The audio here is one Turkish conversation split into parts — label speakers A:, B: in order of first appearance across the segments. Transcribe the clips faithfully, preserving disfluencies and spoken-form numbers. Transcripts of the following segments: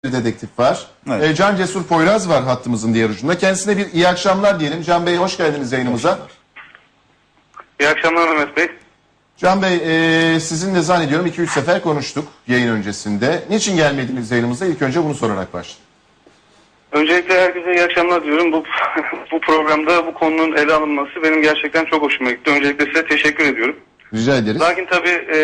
A: dedektif var.
B: Evet.
A: E, Can Cesur Poyraz var hattımızın diğer ucunda. Kendisine bir iyi akşamlar diyelim. Can Bey hoş geldiniz yayınımıza.
C: İyi akşamlar Mehmet Bey.
A: Can Bey e, sizinle zannediyorum iki üç sefer konuştuk yayın öncesinde. Niçin gelmediniz yayınımıza? İlk önce bunu sorarak başlayalım.
C: Öncelikle herkese iyi akşamlar diyorum. Bu bu programda bu konunun ele alınması benim gerçekten çok hoşuma gitti. Öncelikle size teşekkür ediyorum.
A: Rica ederiz.
C: Lakin tabii e,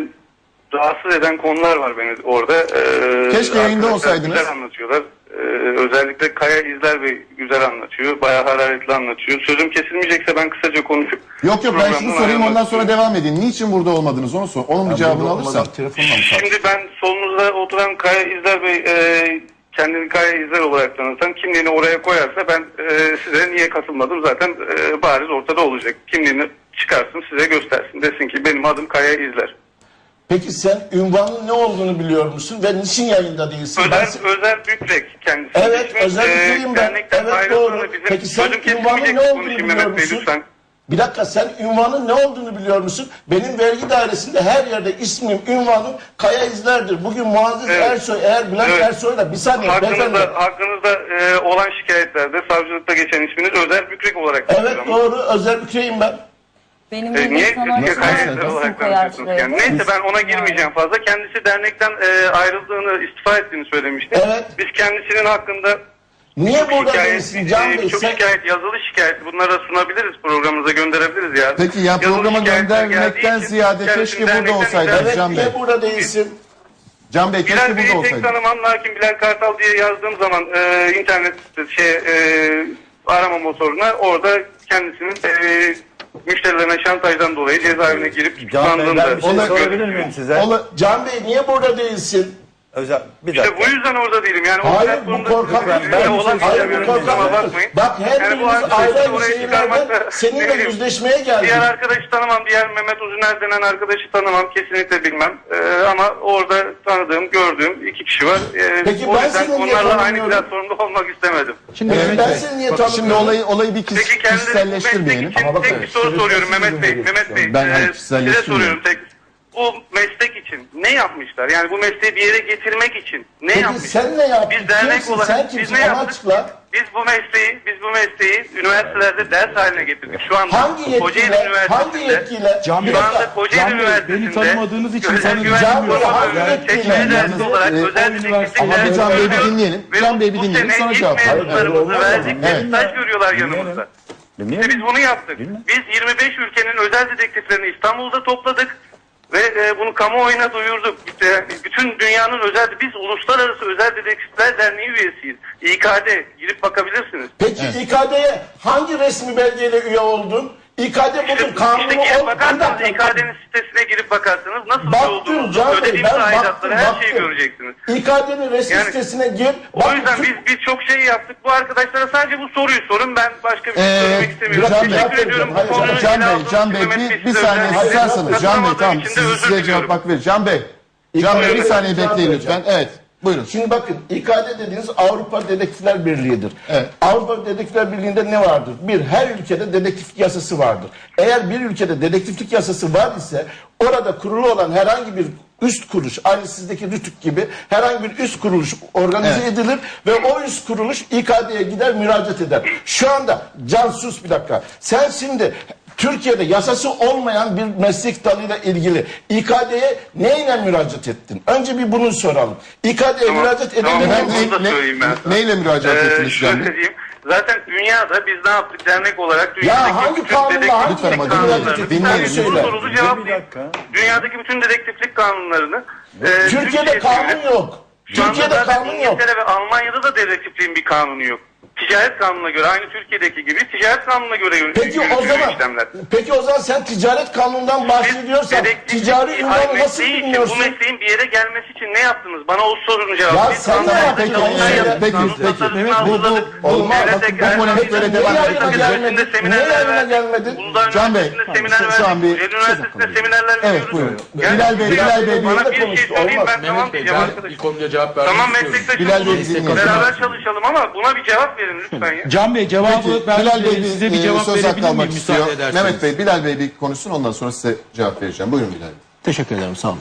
C: rahatsız eden konular var beni orada. E,
A: Keşke yayında
C: arkadaşlar
A: olsaydınız.
C: Güzel anlatıyorlar. E, özellikle Kaya İzler Bey güzel anlatıyor. Bayağı hararetli anlatıyor. Sözüm kesilmeyecekse ben kısaca konuşup...
A: Yok yok ben şunu
C: programdan
A: sorayım ondan
C: ayrılmak
A: sonra devam edin. Niçin burada olmadınız onu sor. Onun bir cevabını alırsam.
C: Şimdi ben solunuzda oturan Kaya İzler Bey e, kendini Kaya İzler olarak tanıtan kimliğini oraya koyarsa ben e, size niye katılmadım zaten e, bariz ortada olacak. Kimliğini çıkarsın size göstersin desin ki benim adım Kaya İzler.
D: Peki sen ünvanın ne olduğunu biliyor musun ve niçin yayında değilsin?
C: Özer,
D: Ben...
C: Özer Bükrek kendisi.
D: Evet,
C: İsmi,
D: Özer
C: e,
D: Bükrek'im ben.
C: dernekten
D: Evet,
C: ayrıldığını
D: doğru.
C: bizim
D: Peki sen
C: sözüm
D: ünvanın
C: kesilmeyecek
D: ne olduğunu
C: konuşayım
D: biliyor
C: Mehmet Bey
D: musun?
C: lütfen.
D: Bir dakika sen ünvanın ne olduğunu biliyor musun? Benim vergi dairesinde her yerde ismim, ünvanım Kaya İzler'dir. Bugün Muazzez
C: Evet.
D: Ersoy, eğer Bülent
C: Evet.
D: Ersoy'la bir saniye beyefendi.
C: Hakkınızda, hakkınızda e, olan şikayetlerde savcılıkta geçen isminiz Özer Bükrek olarak geçiyor
D: Evet
C: ama.
D: doğru, Özer Bükrek'im ben.
E: Benim
C: E,
E: gibi
C: niye
E: sana
C: Türkiye kaynakları
E: isim
C: olarak
E: koyar
C: tanışıyorsunuz?
E: şuraya.
C: Yani neyse ben ona girmeyeceğim fazla. Kendisi dernekten e, ayrıldığını, istifa ettiğini söylemişti.
D: Evet.
C: Biz kendisinin hakkında
D: Niye
C: çok
D: burada
C: şikayet,
D: değilsin Can
C: e,
D: Bey?
C: çok
D: Sen...
C: şikayet, yazılı şikayet bunlara sunabiliriz, programımıza gönderebiliriz ya.
A: Peki ya
C: Yazılı
A: programa
C: şikayetler
A: göndermekten
C: geldiği için
A: ziyade
C: kendisini
A: keşke burada
C: dernekten
A: olsaydınız
C: ithal-
D: Evet,
A: Can Bey.
D: niye burada değilsin?
A: Can Bey
C: Bilal
A: keşke
C: Bey'i
A: burada
C: pek
A: olsaydınız.
C: tanımam lakin Bilal Kartal diye yazdığım zaman e, internet şey e, arama motoruna orada kendisinin e, müşterilerine şantajdan dolayı cezaevine girip
B: Can Bey,
C: tutuklandığında
B: ben bir şey
A: Ona-
B: sorabilir miyim size?
A: Ola-
D: CanEy niye burada değilsin?
B: Özel, bir
C: İşte
B: dakika.
C: bu yüzden orada değilim. Yani
D: Hayır,
C: o
D: bu
C: konuda
D: korkak-
C: ben,
B: ben
C: ben
B: bir şey
C: olan
D: Hayır,
B: söylemiyorum,
D: bu
C: kusura
D: korkak-
C: bakmayın.
D: Bak her
C: Yani bu
D: birimiz
C: arkadaşı
D: ayrı ayrı
C: oraya
D: şehirlerden
C: çıkarmakla- ne
D: seninle
C: bileyim,
D: yüzleşmeye geldik.
C: Diğer arkadaşı tanımam, diğer Mehmet Uzuner denen arkadaşı tanımam, kesinlikle bilmem. Ee, ama orada tanıdığım, gördüğüm iki kişi var. Ee,
D: Peki
C: o
D: ben
C: yüzden
D: seni niye
C: onlarla aynı
D: tanımıyorum?
C: platformda olmak istemedim.
A: Şimdi
D: Evet,
A: Mehmet
D: ben
A: Bey,
D: seni niye
A: bakın şimdi
D: tanımıyorum?
A: olayı, olayı bir kis,
C: Peki kendileri bu meslek
A: kişiselleştirmeyelim.
C: için
D: Ama bakın,
C: tek bir soru
D: süreci
C: soruyorum
D: sizin
C: Mehmet Bey.
D: gibi
C: Mehmet Bey,
A: Ben hani
C: e, size
A: kişiselleştirmiyorum.
C: soruyorum tek. Bu meslek için ne yapmışlar? Yani bu mesleği bir yere getirmek için ne
D: Peki
C: yapmışlar?
D: sen ne yaptın?
C: Biz dernek
D: Kimsin?
C: olarak
D: Sen
C: biz
D: kimsin?
C: ne
D: Onu
C: yaptık?
D: açıkla.
C: Biz bu mesleği, biz bu mesleği üniversitelerde ders haline getirdik. Şu anda
D: Hangi
C: Kocaeli
D: yetkiyle?
C: Üniversitesi'nde,
D: Hangi yetkiyle?
F: Can Bey,
C: şu anda
D: dakika.
C: Kocaeli
F: Can Bey,
C: Üniversitesi'nde
F: beni tanımadığınız için
C: özel
F: sana
C: güvenlik
D: Can Bey,
C: koruma
D: hangi
C: bölümü
D: yetkiyle?
C: seçmeli dersi
A: Yalnız,
C: olarak
A: e,
C: özel
F: o
C: dedektiflik
A: Ama
C: dersi
A: bir Can Bey'i bir
C: görüyoruz.
A: dinleyelim.
C: Ve
A: Can Bey'i bir
C: bu
A: dinleyelim,
C: sene
A: sonra
C: ilk
A: cevap verin.
C: mezunlarımızı verdik.
A: Evet.
C: Staj görüyorlar yanımızda. İşte
B: Dinleyelim.
C: biz bunu yaptık.
B: Bilmem.
C: Biz yirmi beş ülkenin özel dedektiflerini İstanbul'da topladık ve e, bunu kamuoyuna duyurduk. İşte, bütün dünyanın özel, biz Uluslararası Özel Dedektifler Derneği üyesiyiz. İ K D, girip bakabilirsiniz.
D: Peki İ K D'ye hangi resmi belgeyle üye oldun? İ K D bugün
C: İşte,
D: kanunu
C: işte girip
D: ol. Bir
C: bakarsanız,
D: dakika.
C: İ K D'nin sitesine girip bakarsanız nasıl
D: Baktım
C: olduğunuzu,
D: Can Bey,
C: ödediğimiz
D: ben baktım,
C: aidatları, her şeyi
D: baktım.
C: göreceksiniz.
D: İ K D'nin resmi
C: Yani-
D: sitesine gir.
C: O
D: Bak,
C: yüzden
D: Türk-
C: biz biz çok şey yaptık. Bu arkadaşlara sadece bu soruyu sorun. Ben başka bir şey
A: Ee,
C: söylemek istemiyorum.
A: Can Bey,
C: Teşekkür ediyorum. Bu
D: hayır,
C: konuyu
A: Can
C: ele
A: Bey,
C: aldığınız
A: Can
C: için
A: Bey
C: Mehmet
A: bir, bir
C: size
A: saniye
C: özellikle
A: susarsanız. Can Bey
C: katılamadığım
A: tamam
C: için de
A: siz,
C: özür
A: size
C: diliyorum.
A: cevap hak verir. Can Bey. Can Bey bir
D: Buyurun.
A: saniye
D: Cevap
A: bekleyin
D: vereceğim.
A: lütfen. Evet. Buyurun.
D: Şimdi bakın İ K D dediğiniz Avrupa Dedektifler Birliği'dir.
A: Evet.
D: Avrupa Dedektifler Birliği'nde ne vardır? Bir, her ülkede dedektiflik yasası vardır. Eğer bir ülkede dedektiflik yasası var ise orada kurulu olan herhangi bir üst kuruluş, aynı sizdeki RTÜK gibi herhangi bir üst kuruluş organize
A: Evet.
D: edilir ve o üst kuruluş İ K D'ye gider müracaat eder. Şu anda Can sus bir dakika. Sen şimdi Türkiye'de yasası olmayan bir meslek dalıyla ilgili İ K D'ye neyle müracaat ettin? Önce bir bunu soralım. İ K D'ye
C: Tamam,
D: müracaat
C: tamam,
D: edebilir
C: ben
D: misin?
C: bunu da söyleyeyim ben sana.
A: Neyle müracaat
C: Ee,
A: ettiniz Can
C: şöyle
A: Bey?
C: diyeyim. Zaten dünyada biz ne yaptık dernek olarak dünyadaki
D: hangi
C: bütün
D: kanunla,
C: dedektiflik
D: hangi
A: Lütfen ama
C: kanunlarını,
A: dinleyin,
C: bir
A: dinleyin.
C: tane soru
D: Söyle.
C: sorulu
B: Bir
C: cevaplayayım.
B: dakika.
C: Dünyadaki bütün dedektiflik kanunlarını e,
D: Türkiye'de
C: Türkçe'ye
D: kanun
C: çevirip-
D: yok.
C: Şu anda
D: Türkiye'de
C: zaten
D: kanun yok.
C: İngiltere ve Almanya'da da dedektifliğin bir kanunu yok. Ticaret kanununa göre, aynı Türkiye'deki gibi ticaret kanununa göre yürü-
D: Peki o
C: yürütülüyor
D: zaman
C: işlemler.
D: peki o zaman sen ticaret kanunundan bahsediyorsan
C: Dedektiflik-
D: ticari
C: Hayır,
D: ünvanı nasıl
C: mesleği için,
D: bilmiyorsun?
C: Bu mesleğin bir yere gelmesi için ne yaptınız? Bana o sorunun cevabı.
D: Ya
C: Biz
D: sen ne
C: kanunlarda
D: yaptın?
C: çalışmalar
D: Peki,
C: yaptık,
A: peki,
C: kanun
A: peki.
C: tasarısını
A: Mehmet, bu- bu-
C: hazırladık.
A: olmaz.
C: Devlete
A: Bakın, bu
C: gelmesi
A: polemik
C: için
A: böyle
C: Uludağ
A: devam
D: Niye
A: edecek.
D: yayına
C: Üniversitesi'nde
D: gelmedin?
C: seminerler
D: Niye yayına
C: verdik.
D: gelmedin?
C: Uludağ
A: Can Bey,
C: Üniversitesi'nde seminer
A: şu- şu an
C: verdik.
A: bir-
C: Kocaeli Üniversitesi'nde seminerler
A: Evet,
C: veriyoruz.
A: buyurun.
C: Yani
A: Bilal Bey,
C: siz
A: Bilal Bey,
C: bana
D: Bilal
C: bir
D: Bey
C: şey söyleyin,
D: olmaz.
C: ben tamam
F: Mehmet Bey,
C: diyeceğim
F: ben
C: arkadaşım.
F: bir konuda cevap vermek
C: Tamam
F: istiyorum.
C: meslektaşım
A: Bilal Bey,
C: olun.
A: dinleyelim.
C: Beraber çalışalım ama buna bir cevap verin lütfen ya.
F: Can Bey cevabı
A: Peki,
F: ben
A: Bilal Bey
F: size bir
A: bir e,
F: cevap
A: söz hakkı
F: verebilir
A: almak
F: miyim
A: istiyor.
F: müsaade ederseniz?
A: Mehmet Bey, Bilal Bey bir konuşsun ondan sonra size cevap vereceğim. Buyurun Bilal Bey.
G: Teşekkür ederim, sağ olun.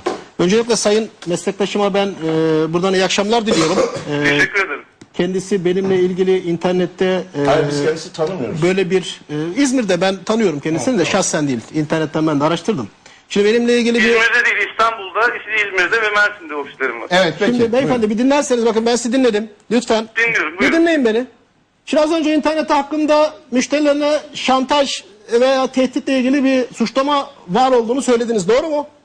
B: Öncelikle sayın meslektaşıma ben e, buradan iyi akşamlar diliyorum. E,
C: Teşekkür ederim.
B: kendisi benimle ilgili internette e,
D: Hayır, biz kendisi tanımıyoruz.
B: böyle bir e, İzmir'de ben tanıyorum kendisini de şahsen değil. İnternetten ben de araştırdım. Şimdi benimle ilgili bir
C: İzmir'de değil, İstanbul'da, İzmir'de ve Mersin'de ofislerim var.
A: Evet peki.
B: Şimdi beyefendi bir dinlerseniz bakın ben sizi dinledim. Lütfen.
C: Dinliyorum,
B: Bir
C: buyurun.
B: dinleyin beni. Şimdi az önce internette hakkında müşterilerine şantaj veya tehditle ilgili bir suçlama var olduğunu söylediniz. Doğru mu?